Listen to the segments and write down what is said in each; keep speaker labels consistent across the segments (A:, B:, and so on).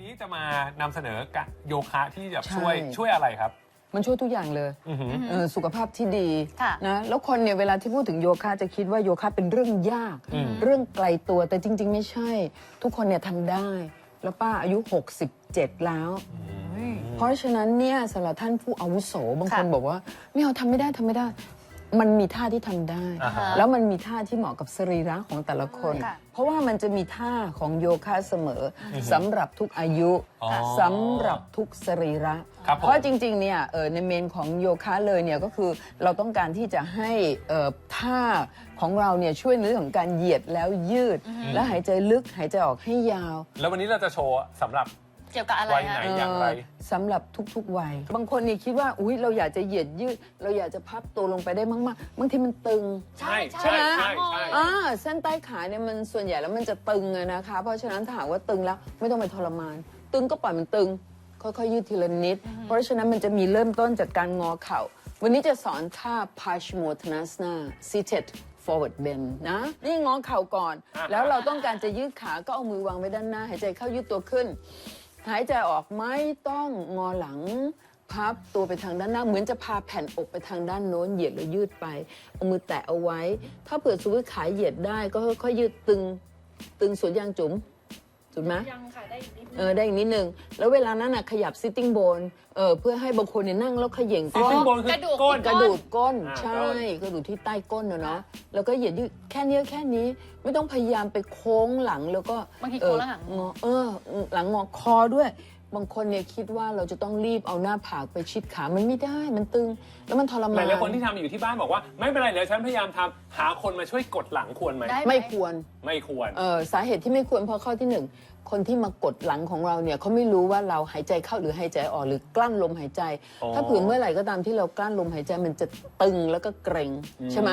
A: นี้จะมานำเสนอโยคะที่จะช่วยอะไรครับ
B: มันช่วยทุกอย่างเลยสุขภาพที่ดีนะแล้วคนเนี่ยเวลาที่พูดถึงโยคะจะคิดว่าโยคะเป็นเรื่องยากเรื่องไกลตัวแต่จริงๆไม่ใช่ทุกคนเนี่ยทำได้แล้วป้าอายุ67แล้วเพราะฉะนั้นเนี่ยสำหรับท่านผู้อาวุโสบางคนบอกว่าไม่เอาทำไม่ได้มันมีท่าที่ทำได้แล้วมันมีท่าที่เหมาะกับสรีระของแต่ละคนเพราะว่ามันจะมีท่าของโยคะเสมอสำหรับทุกอายุสำหรับทุกสรีระเพราะจริงๆเนี่ยในเมนของโยคะเลยเนี่ยก็คือเราต้องการที่จะให้ท่าของเราเนี่ยช่วยในเรื่องของการเหยียดแล้วยืดและหายใจลึกหายใจออกให้ยาว
A: แล้ววันนี้เราจะโชว์สำหรับ
C: เกี่ยวกับอะไร
A: วัยไหนอย่างไร
B: สำหรับทุกๆวัยบางคนนี่คิดว่าอุ๊ยเราอยากจะเหยียดยืดเราอยากจะพับตัวลงไปได้มากๆบางทีมันตึง
A: ใช่
B: ไหมเส้นใต้ขาเนี่ยมันส่วนใหญ่แล้วมันจะตึงนะคะเพราะฉะนั้นถ้าหากว่าตึงแล้วไม่ต้องไปทรมานตึงก็ปล่อยมันตึงค่อยๆยืดทีละนิดเพราะฉะนั้นมันจะมีเริ่มต้นจากการงอเข่าวันนี้จะสอนท่า Paschimottanasana seated forward bend นะนี่งอเข่าก่อนแล้วเราต้องการจะยืดขาก็เอามือวางไว้ด้านหน้าหายใจเข้ายืดตัวขึ้นหายใจออกไม่ต้องงอหลังพับตัวไปทางด้านหน้าเหมือนจะพาแผ่นอกไปทางด้านโน้นเหยียดแล้วยืดไปเอามือแตะเอาไว้ถ้าเผื่อสมมติขาเหยียดได้ก็ค่อยๆยืดตึงสวนยางจุ๋มถูกไหม
C: ยังค่ะได้อีกนิดนึ
B: งได้อีกนิดนึงแล้วเวลานั้นขยับ sitting bone เพื่อให้บางคนเนี่ยนั่งแล้วเขย่งก้น
A: sitting bone คือก
B: ระดูกก้นใช่กระดูกที่ใต้ก้นเนาะแล้วก็เหยียดยืดแค่นี้ไม่ต้องพยายามไปโค้งหลังแล้วก็
C: บางทีโค้งหลัง
B: งอหลังงอคอด้วยบางคนเนี่ยคิดว่าเราจะต้องรีบเอาหน้าผากไปชิดขามันไม่ได้มันตึงแล้วมันทรมาน
A: หลายคนที่ทำอยู่ที่บ้านบอกว่าไม่เป็นไรเดี๋ยวฉันพยายามทำหาคนมาช่วยกดหลังควรไหม
B: ไม่ควรสาเหตุที่ไม่ควรเพราะข้อที่1คนที่มากดหลังของเราเนี่ยเขาไม่รู้ว่าเราหายใจเข้าหรือหายใจออกหรือกลั้นลมหายใจถ้าเผื่อเมื่อไหร่ก็ตามที่เรากลั้นลมหายใจมันจะตึงแล้วก็เกร็งใช่ไหม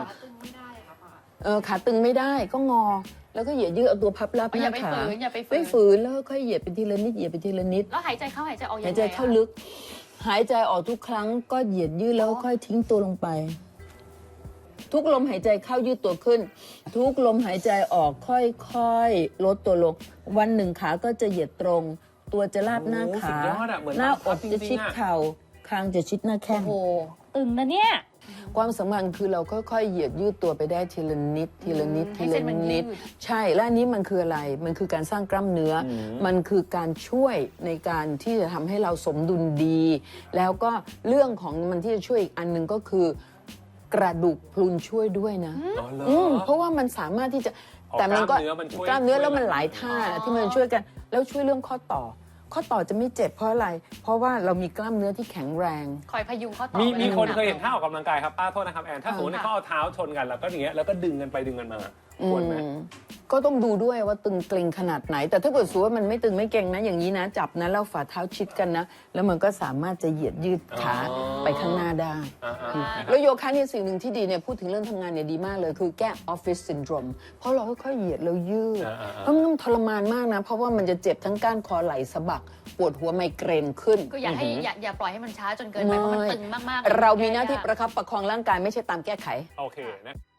B: ขาตึงไม่ได้ก็งอแล้วก็เหยียดยืดเอาตัวพับรับหน้าขาไม่ฝืนแล้วค่อยเหยียดไปทีละนิด
C: แล้วหายใจเข้าหายใจออก
B: หายใจเข้าลึกหายใจออกทุกครั้งก็เหยียดยืดแล้วค่อยทิ้งตัวลงไปทุกลมหายใจเข้ายืดตัวขึ้นทุกลมหายใจออกค่อยๆลดตัวลงวันหนึ่งขาก็จะเหยียดตรงตัวจะลาบหน้าขาหน้าอกจะชิดเข่าคางจะชิดหน้าแข้ง
C: ตึงนะเนี่ย
B: ความสำคัญคือเราค่อยๆเหยียดยืดตัวไปได้ทีละนิดใช่และอันนี้มันคืออะไรมันคือการสร้างกล้ามเนื้อมันคือการช่วยในการที่จะทำให้เราสมดุลดีแล้วก็เรื่องของมันที่จะช่วยอีกอันนึงก็คือกระดูกพรุนช่วยด้วยนะเพราะว่ามันสามารถที่จะแต่มันก็กล้ามเนื้อแล้วมันหลายท่าที่มันช่วยกันแล้วช่วยเรื่องข้อต่อจะไม่เจ็บเพราะอะไรเพราะว่าเรามีกล้ามเนื้อที่แข็งแรง
C: คอยพยุงข้อต่อ
A: มีคนเคยเห็นท่าออกกำลังกายครับป้าโทษนะครับแอนถ้าสมมติเขาเอาเท้าชนกันแล้วก็อย่างเงี้ยแล้วก็ดึงกันไปดึงกันมาควรไหม
B: ก็ต้องดูด้วยว่าตึงเกร็งขนาดไหนแต่ถ้าเกิดสูว่ามันไม่ตึงไม่เกร็งนะอย่างนี้นะจับนะแล้วฝ่าเท้าชิดกันนะแล้วมันก็สามารถจะเหยียดยืดขาไปข้างหน้าได้แล้วโยคะเนี่ยสิ่งหนึ่งที่ดีเนี่ยพูดถึงเรื่องทำงานเนี่ยดีมากเลยคือแก้ออฟฟิศซินโดรมเพราะเราค่อยๆเหยียดแล้วยืดเพราะมันทรมานมากนะเพราะว่ามันจะเจ็บทั้งก้านคอไหล่สะบักปวดหัวไมเกรนขึ้น
C: ก็อย่าปล่อยให้มันช้าจนเกินไปเพราะมันตึงมาก
B: ๆเรามีหน้าที่ประคับประคองร่างกายไม่ใช่ตามแก้ไข
A: โอเคนะ